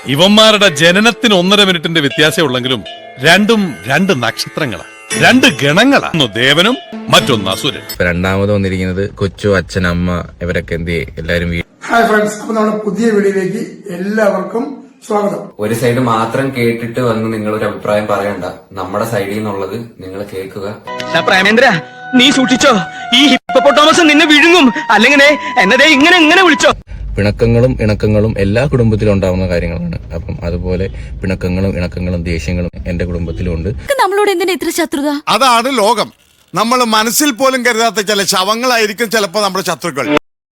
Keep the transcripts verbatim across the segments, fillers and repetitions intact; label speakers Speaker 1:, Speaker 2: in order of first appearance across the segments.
Speaker 1: ഇവന്മാരുടെ ജനനത്തിന് ഒന്നര മിനിറ്റിന്റെ വ്യത്യാസം ഉള്ളെങ്കിലും രണ്ടും രണ്ട് നക്ഷത്രങ്ങളാണ്, രണ്ട് ഗണങ്ങളാണ്. ഒന്ന് ദേവനും മറ്റൊന്ന് അസുരൻ.
Speaker 2: രണ്ടാമത് വന്നിരിക്കുന്നത് കൊച്ചു, അച്ഛൻ, അമ്മ ഇവരൊക്കെ എന്ത് എല്ലാരും.
Speaker 3: ഹായ് ഫ്രണ്ട്സ്, അപ്പൊ നമ്മുടെ പുതിയ വീഡിയോയിലേക്ക് എല്ലാവർക്കും സ്വാഗതം.
Speaker 4: ഒരു സൈഡ് മാത്രം കേട്ടിട്ട് വന്ന് നിങ്ങൾ ഒരു അഭിപ്രായം പറയണ്ട. നമ്മുടെ സൈഡിൽ നിന്നുള്ളത് നിങ്ങൾ കേൾക്കുക.
Speaker 5: പ്രേമേന്ദ്ര, നീ സൂക്ഷിച്ചോ, ഈ ഹിപ്പോപ്പൊട്ടാമസ് നിന്നെ വിഴുങ്ങും. അല്ലെങ്കിൽ എന്നതേ ഇങ്ങനെ ഇങ്ങനെ വിളിച്ചോ.
Speaker 2: പിണക്കങ്ങളും ഇണക്കങ്ങളും എല്ലാ കുടുംബത്തിലും ഉണ്ടാവുന്ന കാര്യങ്ങളാണ്. അപ്പം അതുപോലെ പിണക്കങ്ങളും ഇണക്കങ്ങളും ദേഷ്യങ്ങളും എന്റെ കുടുംബത്തിലും ഉണ്ട്.
Speaker 6: നമ്മളോട് എന്തിനാ ഇത്ര ശത്രുത?
Speaker 7: അതാണ് ലോകം. നമ്മൾ മനസ്സിൽ പോലും കരുതാത്ത ചില ശവങ്ങളായിരിക്കും ചിലപ്പോ നമ്മുടെ ശത്രുക്കൾ.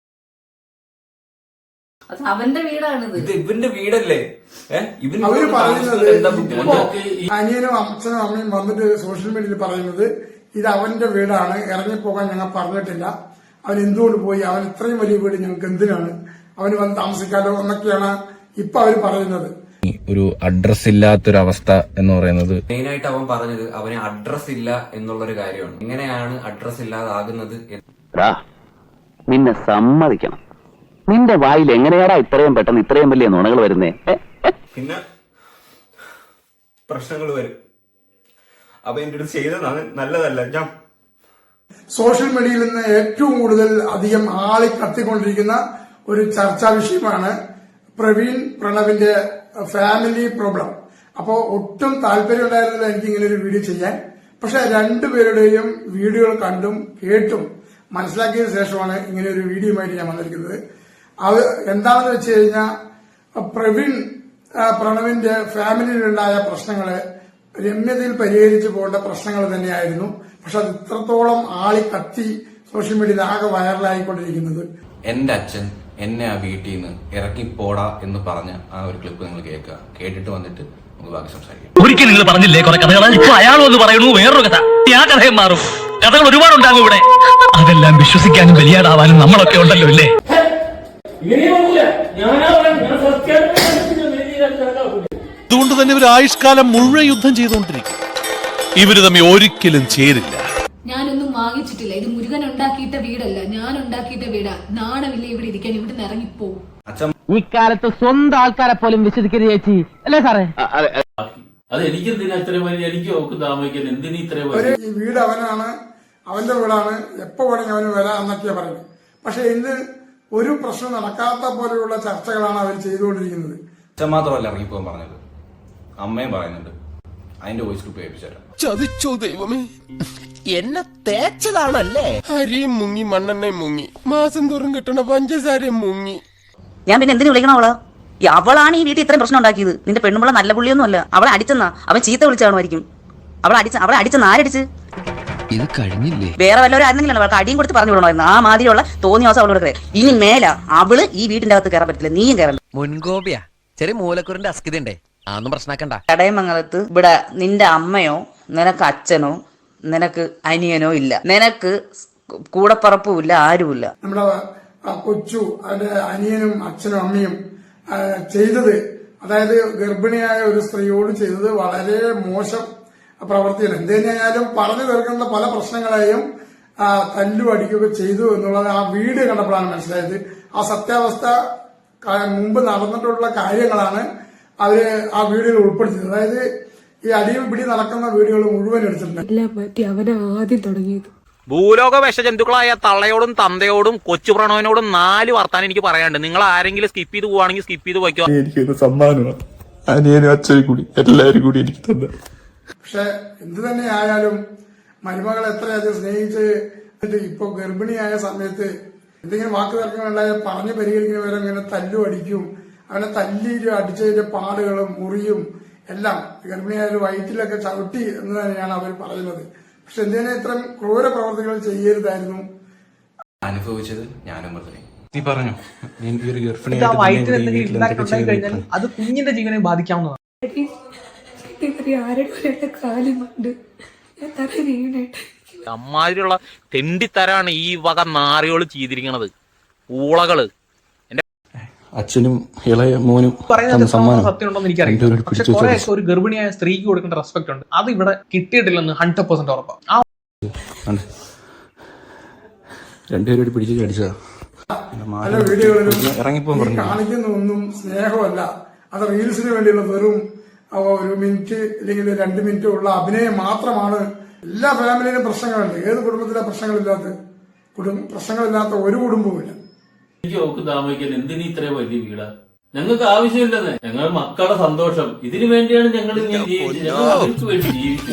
Speaker 6: അവന്റെ വീടാണിത്.
Speaker 4: ഇത് ഇവന്റെ വീടല്ലേ?
Speaker 3: അവര് പറയുന്നത് അനിയനും അച്ഛനും അമ്മയും വന്നിട്ട് സോഷ്യൽ മീഡിയയിൽ പറയുന്നത് ഇത് അവന്റെ വീടാണ്, ഇറങ്ങിപ്പോകാൻ ഞങ്ങൾ പറഞ്ഞിട്ടില്ല, അവൻ എന്തുകൊണ്ട് പോയി, അവൻ ഇത്രയും വലിയ വീട് ഞങ്ങൾക്ക് എന്തിനാണ്, അവന് വന്ന് താമസിക്കാലോ എന്നൊക്കെയാണ് ഇപ്പൊ അവര് പറയുന്നത്.
Speaker 2: ഒരു അഡ്രസ് ഇല്ലാത്തൊരവസ്ഥ എന്ന് പറയുന്നത്
Speaker 4: മെയിനായിട്ട് അവൻ പറഞ്ഞത് അവന് അഡ്രസ് ഇല്ല എന്നുള്ളൊരു കാര്യമാണ്. എങ്ങനെയാണ് അഡ്രസ് ഇല്ലാതാകുന്നത്?
Speaker 8: നിന്നെ സമ്മതിക്കണം, നിന്റെ വായിൽ എങ്ങനെയാടാ ഇത്രയും പെട്ടെന്ന് ഇത്രയും വലിയ നുണകൾ വരുന്നേ?
Speaker 4: പിന്നെ പ്രശ്നങ്ങൾ വരും. അപ്പൊ എന്റെ അടുത്ത് ചെയ്തത് നല്ലതല്ല. ഞാൻ
Speaker 3: സോഷ്യൽ മീഡിയയിൽ നിന്ന് ഏറ്റവും കൂടുതൽ അധികം ആളി കത്തിക്കൊണ്ടിരിക്കുന്ന ഒരു ചർച്ചാ വിഷയമാണ് പ്രവീൺ പ്രണവിന്റെ ഫാമിലി പ്രോബ്ലം. അപ്പോ ഒട്ടും താല്പര്യം ഉണ്ടായിരുന്നില്ല എനിക്ക് ഇങ്ങനെ ഒരു വീഡിയോ ചെയ്യാൻ. പക്ഷെ രണ്ടുപേരുടെയും വീഡിയോകൾ കണ്ടും കേട്ടും മനസ്സിലാക്കിയതിനു ശേഷമാണ് ഇങ്ങനെ ഒരു വീഡിയോയുമായിട്ട് ഞാൻ വന്നിരിക്കുന്നത്. അത് എന്താണെന്ന് വെച്ച് കഴിഞ്ഞാൽ പ്രവീൺ പ്രണവിന്റെ ഫാമിലിയിലുണ്ടായ പ്രശ്നങ്ങള് രമ്യതയിൽ പരിഹരിച്ചു പോകേണ്ട പ്രശ്നങ്ങൾ തന്നെയായിരുന്നു. പക്ഷെ അത് ഇത്രത്തോളം ആളി കത്തി സോഷ്യൽ മീഡിയയിൽ ആകെ വൈറലായിക്കൊണ്ടിരിക്കുന്നത്.
Speaker 2: എന്റെ അച്ഛൻ എന്നെ ആ വീട്ടിൽ നിന്ന് ഇറക്കിപ്പോടാ എന്ന് പറഞ്ഞ ആ ഒരു ക്ലിപ്പ് നിങ്ങൾ കേൾക്കുക. കേട്ടിട്ട് വന്നിട്ട് നമുക്ക് ബാക്കി സംസാരിക്കാം.
Speaker 5: ഒരിക്കൽ നിങ്ങൾ പറഞ്ഞില്ലേ കുറെ കഥകൾ, ഇപ്പൊ അയാളും ഒന്ന് പറയുന്നു വേറൊരു കഥ. ആ കഥയും മാറും. കഥകൾ ഒരുപാടുണ്ടാകും ഇവിടെ. അതെല്ലാം വിശ്വസിക്കാനും വലിയാടാവാനും നമ്മളൊക്കെ ഉണ്ടല്ലോ അല്ലേ?
Speaker 1: അതുകൊണ്ട് തന്നെ ഇവർ ആയുഷ്കാലം മുഴുവൻ യുദ്ധം ചെയ്തുകൊണ്ടിരിക്കും. ഇവര് തമ്മിൽ ഒരിക്കലും ചേരില്ല.
Speaker 6: ഞാനൊന്നും വാങ്ങിച്ചിട്ടില്ല. ഇത് മുരുകൻ ഉണ്ടാക്കിയിട്ട വീടല്ല, ഞാൻ ഉണ്ടാക്കിയിട്ട വീടാ. നാണമില്ല ഇവിടെ ഇരിക്കാൻ, ഇവിടെ നിന്ന് ഇറങ്ങിപ്പോവും.
Speaker 5: ഇക്കാലത്ത് സ്വന്തം ആൾക്കാരെ പോലും വിശ്വസിക്കരുത് ചേച്ചി, അല്ലേ സാറേ?
Speaker 9: അത് എനിക്ക് എനിക്ക് താമസിക്കാൻ എന്തിനീ ഇത്രയും
Speaker 3: ഈ വീട് അവനാണ്, അവന്റെ വീടാണ്, എപ്പോ വേണമെങ്കിൽ അവന് വരാം എന്നൊക്കെയാ പറയുന്നത്. പക്ഷെ ഇന്ന് ഒരു പ്രശ്നം നടക്കാത്ത പോലെയുള്ള ചർച്ചകളാണ് അവർ ചെയ്തുകൊണ്ടിരിക്കുന്നത്.
Speaker 2: അച്ഛൻ മാത്രമല്ല ഇറങ്ങിപ്പോകാൻ പറഞ്ഞത്, അമ്മയും പറയുന്നുണ്ട്. അതിന്റെ വോയിസ് ക്ലിപ്പ് കേൾപ്പിച്ചുതരാം.
Speaker 10: ചതിച്ചോ ദൈവമേ, എന്നെ തേച്ചതാണല്ലേ? അരിയും മുങ്ങി മണ്ണെണ്ണയും മുങ്ങി മാസം തോറും കിട്ടണ പഞ്ചസാരയും മുങ്ങി.
Speaker 11: ഞാൻ പിന്നെ എന്തിനു വിളിക്കണം അവള്? അവളാണ് ഈ വീട്ടിൽ ഇത്രയും പ്രശ്നം ഉണ്ടാക്കിയത്. നിന്റെ പെണ്ണുമ്പള നല്ല പുള്ളിയൊന്നും അല്ല. അവളെ അടിച്ചെന്നാ, അവൻ ചീത്ത വിളിച്ചാണുമായിരിക്കും. അവളെ അടിച്ച അവളെ അടിച്ചെന്ന് ആരടിച്ച്? ഇത് കഴിഞ്ഞില്ലേ? വേറെ വല്ലവരും ആയിരുന്നെങ്കിലും അവൾക്ക് അടിയും കൊടുത്ത് പറഞ്ഞു വിടണമായിരുന്നു. ആ മാതിരിയുള്ള തോന്നിയ ദിവസം അവളോട് കയറി. ഇനി മേല അവള് ഈ വീട്ടിന്റെ അകത്ത് കയറാൻ പറ്റില്ല, നീയും കയറണ്ട.
Speaker 10: മുൻകോപിയാ, ചെറിയ മൂലക്കുറിന്റെ അസ്കിതണ്ടേ, അതൊന്നും പ്രശ്നമാക്കണ്ട.
Speaker 11: ചടയമംഗലത്ത് ഇവിടെ നിന്റെ അമ്മയോ നിനക്ക് അച്ഛനോ നിനക്ക് അനിയനോ ഇല്ല, നിനക്ക് കൂടപ്പറപ്പും ഇല്ല, ആരുമില്ല.
Speaker 3: നമ്മുടെ കൊച്ചു അതിന്റെ അനിയനും അച്ഛനും അമ്മയും ചെയ്തത്, അതായത് ഗർഭിണിയായ ഒരു സ്ത്രീയോട് ചെയ്തത് വളരെ മോശം പ്രവൃത്തിയാണ്. എന്തുതന്നെയായാലും പറഞ്ഞു തീർക്കുന്ന പല പ്രശ്നങ്ങളെയും തല്ലു അടിക്കുകയൊക്കെ ചെയ്തു എന്നുള്ളത് ആ വീഡിയോ കണ്ടപ്പോഴാണ് മനസ്സിലായത്. ആ സത്യാവസ്ഥ മുമ്പ് നടന്നിട്ടുള്ള കാര്യങ്ങളാണ് അവര് ആ വീഡിയോയിൽ ഉൾപ്പെടുത്തിയത്. അതായത് ഈ അടിയും പിടി നടക്കുന്ന വീഡിയോകൾ മുഴുവൻ എടുത്തിട്ടുണ്ട്.
Speaker 6: എല്ലാം മാറ്റി അവനെ ആദ്യം തുടങ്ങിയത്.
Speaker 5: ഭൂലോക വിഷജന്തുക്കളായ തള്ളയോടും തന്തയോടും കൊച്ചു പ്രണവനോടും നാല് വർത്താനം എനിക്ക് പറയാനുണ്ട്. നിങ്ങൾ ആരെങ്കിലും സ്കിപ്പ് ചെയ്ത് പോവാണെങ്കിൽ സ്കിപ്പ് ചെയ്ത് പോയിക്കോ.
Speaker 10: എനിക്ക് സമ്മാനമാണ് അനിയനും അച്ഛനും കൂടി എല്ലാരും കൂടി എനിക്ക് തന്നെ.
Speaker 3: പക്ഷെ എന്തു തന്നെ ആയാലും മരുമകളെ എത്രയധികം സ്നേഹിച്ച് ഇപ്പൊ ഗർഭിണിയായ സമയത്ത് എന്തെങ്കിലും വാക്ക് തർക്കങ്ങളുണ്ടായ പറഞ്ഞു പരിഹരിക്കുന്ന വരെ ഇങ്ങനെ തല്ലു അടിക്കും. അവനെ തല്ലി അടിച്ചതിന്റെ പാടുകളും മുറിയും എല്ലാം ഗർഭിണിയായ വയറ്റിലൊക്കെ ചവിട്ടി എന്ന് തന്നെയാണ് അവർ പറയുന്നത്. പക്ഷെ എന്തിനാ ഇത്തരം ക്രൂര പ്രവർത്തികൾ ചെയ്യരുതായിരുന്നു.
Speaker 2: അനുഭവിച്ചത് ഞാനും പറഞ്ഞു.
Speaker 5: നീ പറഞ്ഞു അത് കുഞ്ഞിന്റെ ജീവനെ ബാധിക്കാവുന്നതാണ്. അമ്മാതിരിയുള്ള തെണ്ടിത്തരാണ് ഈ വക നാറികള് ചെയ്തിരിക്കണത്, ഊളകള്.
Speaker 10: അച്ഛനും ഇളയ മോനും
Speaker 5: സത്യം ഉണ്ടോന്ന് എനിക്കറിയില്ല. പക്ഷെ കുറെ ഒരു ഗർഭിണിയായ സ്ത്രീക്ക് കൊടുക്കേണ്ട റെസ്പെക്ട് ഉണ്ട്, അത് ഇവിടെ കിട്ടിയിട്ടില്ലെന്ന് ഹൺഡ്രഡ് പെർസെന്റ് ഉറപ്പാണ്.
Speaker 10: രണ്ടുപേരോട് പിടിച്ചു അടിച്ചതാ.
Speaker 3: പല വീഡിയോകളിലും കാണിക്കുന്ന ഒന്നും സ്നേഹമല്ല, അത് റീൽസിന് വേണ്ടിയുള്ള വെറും ഒരു മിനിറ്റ് അല്ലെങ്കിൽ രണ്ട് മിനിറ്റ് ഉള്ള അഭിനയം മാത്രമാണ്. എല്ലാ ഫാമിലിയിലും പ്രശ്നങ്ങളുണ്ട്. ഏത് കുടുംബത്തിലെ പ്രശ്നങ്ങളില്ലാത്ത കുടുംബ പ്രശ്നങ്ങളില്ലാത്ത ഒരു കുടുംബവുമില്ല.
Speaker 9: എനിക്ക് ഓക്ക് താമസിക്കാൻ എന്തിനീ ഇത്രയും വലിയ വീടാ? ഞങ്ങൾക്ക് ആവശ്യമില്ലെന്നേ. ഞങ്ങൾ മക്കളുടെ സന്തോഷം ഇതിനു വേണ്ടിയാണ് ഞങ്ങൾ ഇങ്ങനെ ജീവിച്ചത്. ഞങ്ങൾ അവർക്ക് വേണ്ടി ജീവിച്ചു.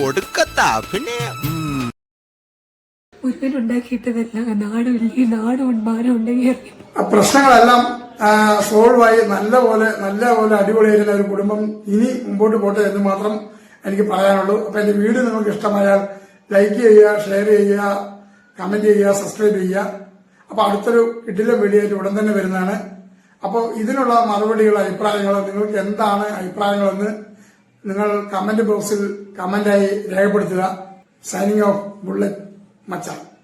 Speaker 6: ഉണ്ടാക്കിയിട്ടതല്ല നാട് വലിയ നാടും മാനം ഉണ്ടെങ്കിൽ
Speaker 3: പ്രശ്നങ്ങളെല്ലാം സോൾവ് ആയി നല്ലപോലെ നല്ലപോലെ അടിപൊളിയായിരുന്ന ഒരു കുടുംബം ഇനി മുമ്പോട്ട് പോട്ടെ എന്ന് മാത്രം എനിക്ക് പറയാനുള്ളൂ. അപ്പൊ എന്റെ വീഡിയോ നിങ്ങൾക്ക് ഇഷ്ടമായാൽ ലൈക്ക് ചെയ്യുക, ഷെയർ ചെയ്യുക, കമന്റ് ചെയ്യുക, സബ്സ്ക്രൈബ് ചെയ്യുക. അപ്പൊ അടുത്തൊരു കിടില വീഡിയോ ആയിട്ട് ഉടൻ തന്നെ വരുന്നതാണ്. അപ്പോൾ ഇതിനുള്ള മറുപടികൾ, അഭിപ്രായങ്ങൾ, നിങ്ങൾക്ക് എന്താണ് അഭിപ്രായങ്ങളെന്ന് നിങ്ങൾ കമന്റ് ബോക്സിൽ കമന്റായി രേഖപ്പെടുത്തുക. സൈനിങ് ഓഫ് ബുള്ളറ്റ് മച്ചാൻ.